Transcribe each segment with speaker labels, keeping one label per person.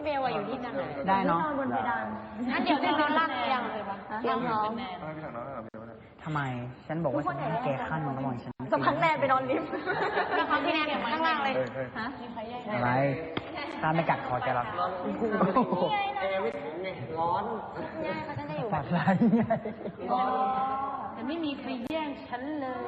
Speaker 1: เบลอยู่ที่นั่น
Speaker 2: ได้เนาะ
Speaker 1: บนเพดานงั้นเดี๋ยวจะนอนล่างเตียงเลยปะเตียงพร้อม
Speaker 2: ทำไมฉันบอกว่าฉันให้แกขั้นมันระหว่างฉัน
Speaker 1: สักพักแนนไปนอนลิฟต์แล้วพักพี่แนนอยู่ข้างล่างเลยฮะ
Speaker 2: อะไรถ้าไม่กัดคอแกหรอก
Speaker 1: ร้อนเขาจะได้อยู่
Speaker 2: ปากไหลไง
Speaker 1: แต่ไม่มีใครแย่งฉันเลย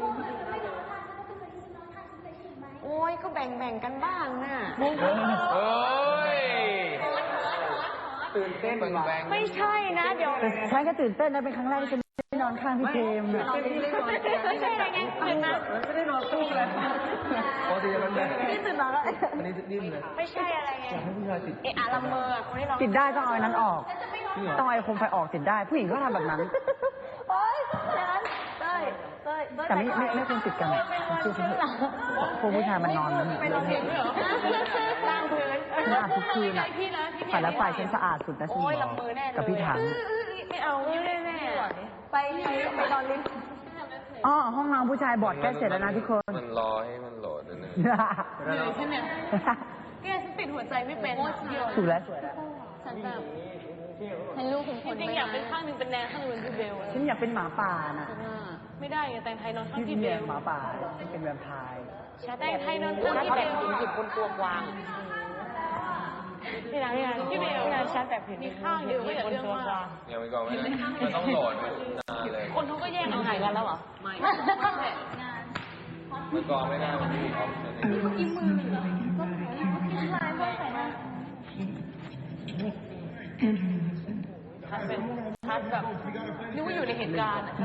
Speaker 1: โอ้ยก็แบ่งกันบ้างน่ะ
Speaker 3: เฮ้ย
Speaker 2: ตื่นเต้น
Speaker 1: ไม่ใช่นะเดี๋ยว
Speaker 2: ฉันก็ตื่นเต้นนะเป็นครั้งแรกที่ฉันได้นอนข้างพี่เจมส์
Speaker 1: ไม่ใช่อะไรไงตื่นมา
Speaker 2: ไม่ได้นอนตู้เลยปกติมันแบบ
Speaker 1: นี่ตื่นมาแล้ว
Speaker 2: อันนี้ดิ้นเลย
Speaker 1: ไม่ใช่อะไรไง
Speaker 2: อยากให้ผู้ชายติด
Speaker 1: ละเมอคนที่เรา
Speaker 2: ติดได้ต้องเอาอันนั้นออกต้องเอาโคมไฟออกติดได้ผู้หญิงก็ทำแบบนั้น
Speaker 1: โอ๊ยนั้นเต้ย
Speaker 2: แต่ไม่ควรติดกันคือพวกผู้ชายมันนอน
Speaker 1: ไปนอนเตียงด้วยเหรอล่างพื้น
Speaker 2: ฉันอาบทุกคืนอ่ะฝ่ายละฝ่ายฉันสะอาดสุดนะฉันบอกกับพี่ถัง
Speaker 1: ไม่เอาแม่ไปนอนลิฟต์
Speaker 2: อ๋อห้องน้ำผู้ชายบอดแก้เสร็จแล้วนะทุกคน
Speaker 3: มันรอให้มันโหลดนะ
Speaker 1: เหนื่อยใช่ไหมแกฉันติดหัวใจไม่เป็น
Speaker 2: ถูกแล้ว
Speaker 1: ฉันแบบฉันลูกคุณคนจริงอยากเป็นข้างนึงเป็นแนนข้างนึงเป็นพี่เบล
Speaker 2: ฉันอยากเป็นหมาป่าน่ะ
Speaker 1: ไม่ได้ไงแต่งไทยนอนข้างพี่เบล
Speaker 2: หมาป่าเป็นแวมไพร์
Speaker 1: แต่งไทยนอนข้างพี่เบลหยิบบนตัวกวางพี่นายพี่เบลชาร์จแบบผิดมีข้างเดียวไม่อยากเรื่องมาก
Speaker 3: ยังไม่ก่อนไม่ได้มันต้องโหลดมันนานเลย
Speaker 1: คนเขาก็แยกเอาไหนกันแล้วเหรอไม่
Speaker 3: เมื่อก่อนไม่ได้มันมีออปชั่นให้ดู
Speaker 1: กินมือมันก็กินลายเพื่อใส่หน้าทัดเป็นทัดแบบนึกว่าอยู่ในเหตุการณ์อ่ะ